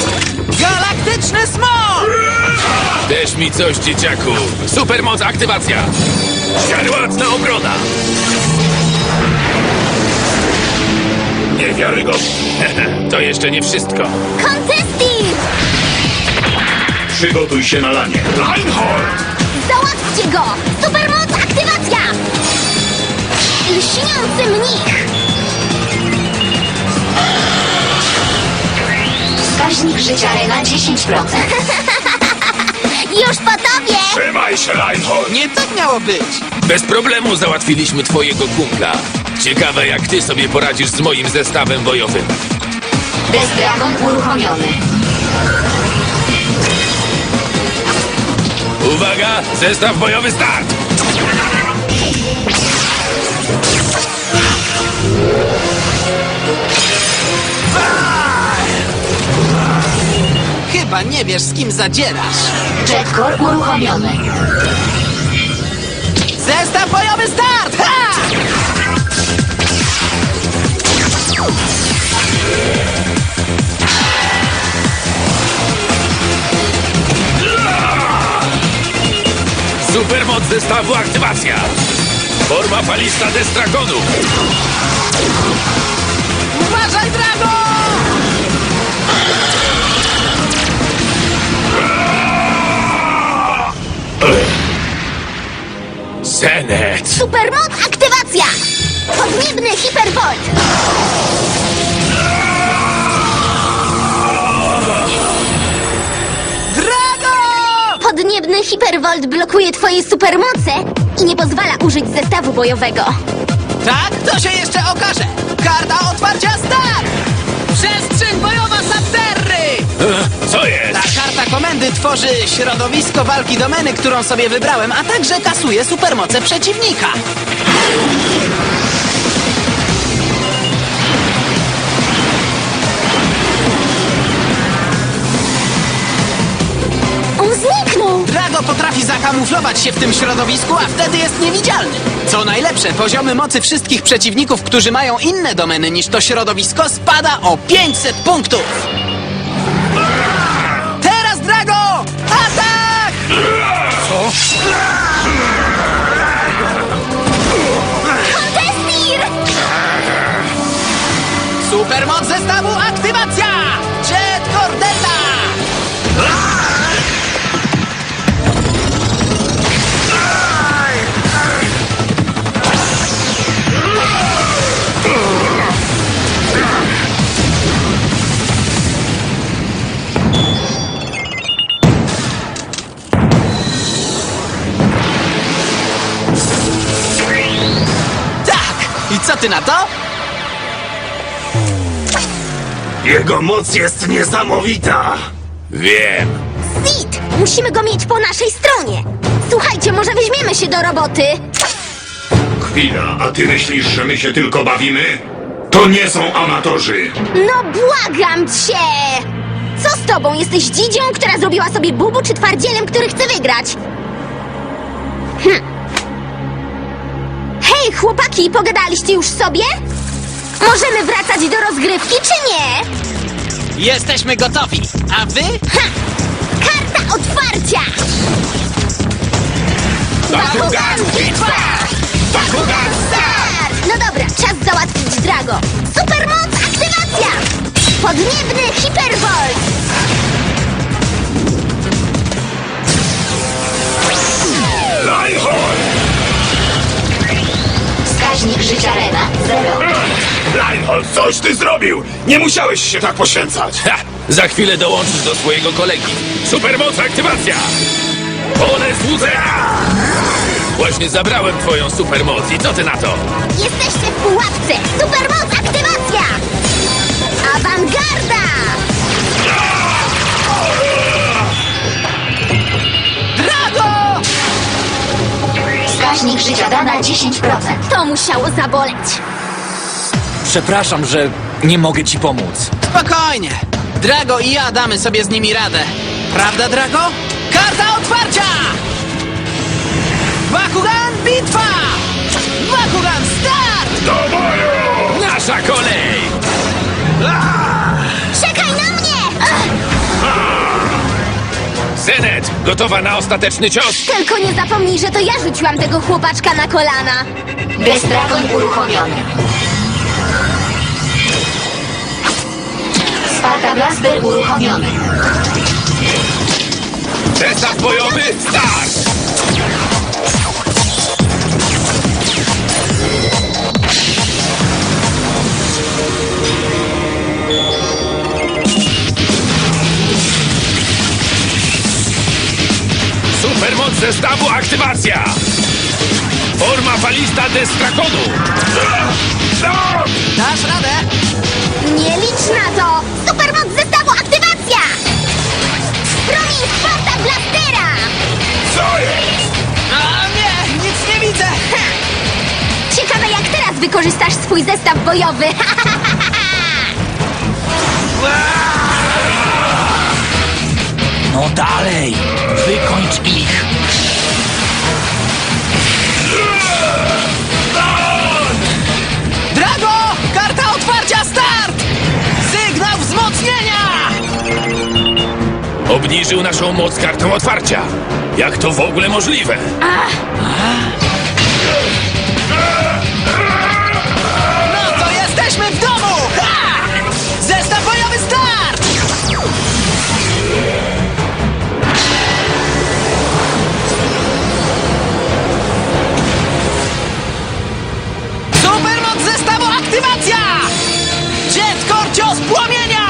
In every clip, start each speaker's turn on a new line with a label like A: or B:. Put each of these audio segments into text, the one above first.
A: Galaktyczny smok!
B: Też mi coś, dzieciaku. Supermoc aktywacja. Szkarłatna obrona. Niewiarygodne. To jeszcze nie wszystko.
C: Contesting!
D: Przygotuj się na lanie. Reinhold!
C: Załatwcie go! Supermoc aktywacja! Lśniący mnich!
E: Wskaźnik życia Rena 10%.
C: Już po tobie!
D: Trzymaj się, Reinhold!
A: Nie tak miało być.
B: Bez problemu załatwiliśmy twojego kumpla. Ciekawe, jak ty sobie poradzisz z moim zestawem bojowym.
E: Death Dragon uruchomiony.
B: Uwaga! Zestaw bojowy start!
A: Chyba nie wiesz, z kim zadzierasz.
E: Jetcore uruchomiony.
A: Zestaw bojowy start! Ha!
B: Supermoc zestawu aktywacja. Forma falista Destragonu.
A: Uważaj, Drago!
B: Zenet.
C: Supermoc aktywacja! Podniebny hipervolt!
A: Drago!
C: Podniebny hipervolt blokuje twoje supermoce i nie pozwala użyć zestawu bojowego.
A: Tak, to się jeszcze okaże. Karta otwarcia start! Przestrzeń bojowa Subterry!
B: Co jest?
A: Ta karta komendy tworzy środowisko walki domeny, którą sobie wybrałem, a także kasuje supermoce przeciwnika.
C: On zniknął!
A: Drago potrafi zakamuflować się w tym środowisku, a wtedy jest niewidzialny. Co najlepsze, poziomy mocy wszystkich przeciwników, którzy mają inne domeny niż to środowisko, spada o 500 punktów. Teraz, Drago! Atak!
C: Contestir!
A: Supermoc zestawu aktywacja! Jet Cordeta! Tak! I co ty na to?
D: Jego moc jest niesamowita!
B: Wiem.
C: Sid! Musimy go mieć po naszej stronie! Słuchajcie, może weźmiemy się do roboty?
D: Chwila, a ty myślisz, że my się tylko bawimy? To nie są amatorzy!
C: No błagam cię! Co z tobą? Jesteś dzidzią, która zrobiła sobie bubu, czy twardzielem, który chce wygrać? Hej, chłopaki, pogadaliście już sobie? Możemy wracać do rozgrywki, czy nie?
A: Jesteśmy gotowi, a wy?
C: Karta otwarcia!
B: Bakugan bitwa! Bakugan
C: start! No dobra, czas załatwić Drago. Supermoc aktywacja! Podniebny hipervolt!
D: Reinhold!
E: Wskaźnik życia Rena 0.
D: Reinhold, coś ty zrobił! Nie musiałeś się tak poświęcać!
B: Ha! Za chwilę dołączysz do swojego kolegi. Supermoc aktywacja! Pole złudzenia! Właśnie zabrałem twoją supermoc i co ty na to?
C: Jesteście w pułapce! Supermoc aktywacja! Awangarda!
A: Drago!
E: Wskaźnik życia Dana 10%.
C: To musiało zaboleć.
F: Przepraszam, że nie mogę ci pomóc.
A: Spokojnie. Drago i ja damy sobie z nimi radę. Prawda, Drago? Karta otwarcia! Bakugan bitwa! Bakugan start!
D: Do boju!
B: Nasza kolej!
C: Czekaj na mnie!
B: Zenet, gotowa na ostateczny cios?
C: Tylko nie zapomnij, że to ja rzuciłam tego chłopaczka na kolana.
E: Destragon uruchomiony. Sparta Blaster uruchomiony.
B: Zestaw bojowy, start! Supermoc zestawu aktywacja! Forma falista Destrakonu!
A: Dasz radę?
C: Nie licz na to! Supermoc zestawu aktywacja! Promień Sparta Blastera!
B: Co jest?
A: A nie, nic nie widzę!
C: Ciekawe, jak teraz wykorzystasz swój zestaw bojowy.
F: No dalej! Wykończ ich!
A: Drago! Karta otwarcia start! Sygnał wzmocnienia!
B: Obniżył naszą moc kartą otwarcia. Jak to w ogóle możliwe?
A: No to jesteśmy w domu! Ha! Zestaw bojowy start! Supermoc zestawu aktywacja! Jet Korcios płomienia!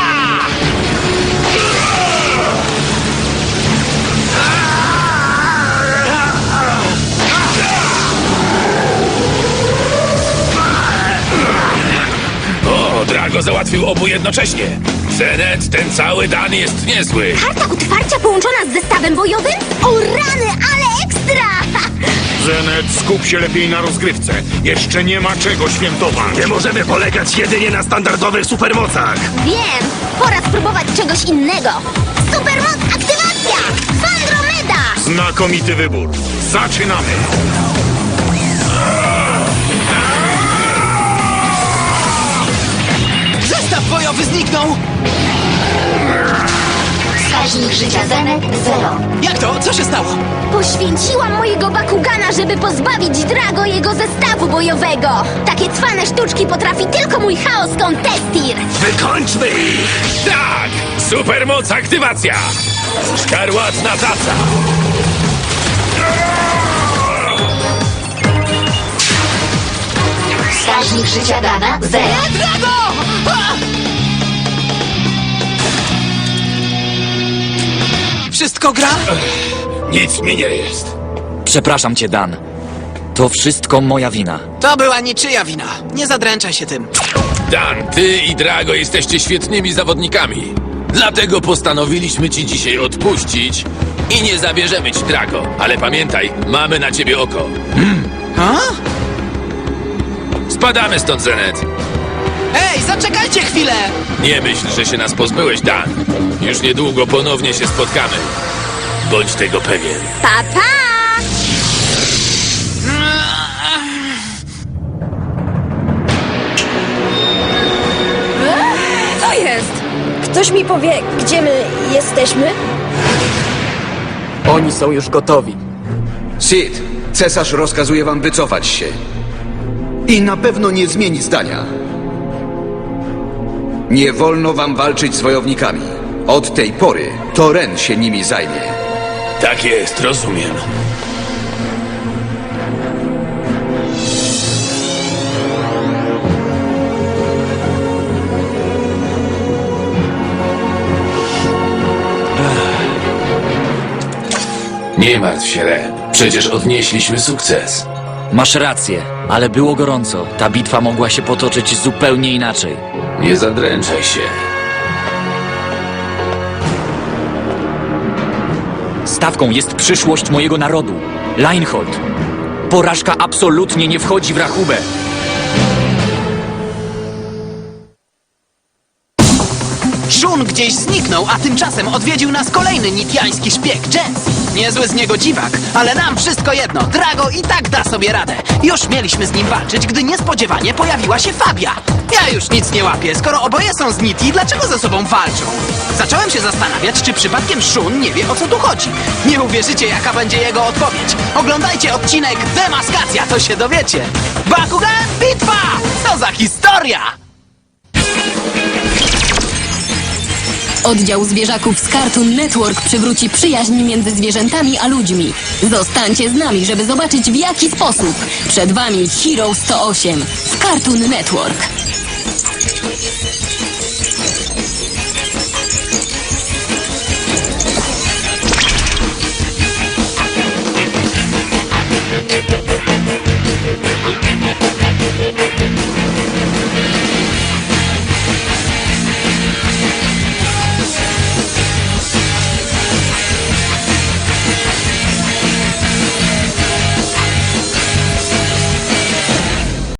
B: O, Drago załatwił obu jednocześnie. Zenet, ten cały Dan jest niezły.
C: Karta otwarcia połączona z zestawem bojowym? O rany, ale ekstra!
D: Zenet, skup się lepiej na rozgrywce. Jeszcze nie ma czego świętować.
B: Nie możemy polegać jedynie na standardowych supermocach.
C: Wiem, pora spróbować czegoś innego. Supermoc aktywacja! Fandromeda!
D: Znakomity wybór. Zaczynamy.
A: Zestaw bojowy zniknął!
E: Wskaźnik życia Zenet 0.
A: Jak to? Co się stało?
C: Poświęciłam mojego Bakugana, żeby pozbawić Drago jego zestawu bojowego. Takie cwane sztuczki potrafi tylko mój Chaos Contestir.
B: Wykończmy ich! Tak! Supermoc aktywacja! Szkarłatna taca!
E: Wskaźnik życia Dana 0.
A: Drago! A! Wszystko gra?
B: Nic mi nie jest.
F: Przepraszam cię, Dan. To wszystko moja wina.
A: To była niczyja wina. Nie zadręczaj się tym.
B: Dan, ty i Drago jesteście świetnymi zawodnikami. Dlatego postanowiliśmy ci dzisiaj odpuścić i nie zabierzemy ci Drago. Ale pamiętaj, mamy na ciebie oko.
A: A?
B: Spadamy stąd, Zenet.
A: Ej, zaczekajcie chwilę!
B: Nie myśl, że się nas pozbyłeś, Dan. Już niedługo ponownie się spotkamy. Bądź tego pewien.
C: Pa, pa!
G: Co jest? Ktoś mi powie, gdzie my jesteśmy?
F: Oni są już gotowi.
H: Sid, cesarz rozkazuje wam wycofać się. I na pewno nie zmieni zdania. Nie wolno wam walczyć z wojownikami. Od tej pory to Ren się nimi zajmie.
B: Tak jest, rozumiem. Nie martw się, Ren. Przecież odnieśliśmy sukces.
F: Masz rację, ale było gorąco. Ta bitwa mogła się potoczyć zupełnie inaczej.
B: Nie zadręczaj się.
F: Stawką jest przyszłość mojego narodu. Leinhold. Porażka absolutnie nie wchodzi w rachubę.
A: Shun gdzieś zniknął, a tymczasem odwiedził nas kolejny nitiański szpieg, Jens. Niezły z niego dziwak, ale nam wszystko jedno. Drago i tak da sobie radę. Już mieliśmy z nim walczyć, gdy niespodziewanie pojawiła się Fabia. Ja już nic nie łapię. Skoro oboje są z Niti, dlaczego ze sobą walczą? Zacząłem się zastanawiać, czy przypadkiem Shun nie wie, o co tu chodzi. Nie uwierzycie, jaka będzie jego odpowiedź. Oglądajcie odcinek Demaskacja, to się dowiecie. Bakugan, bitwa! Co za historia!
I: Oddział zwierzaków z Cartoon Network przywróci przyjaźń między zwierzętami a ludźmi. Zostańcie z nami, żeby zobaczyć w jaki sposób. Przed wami Hero 108 w Cartoon Network.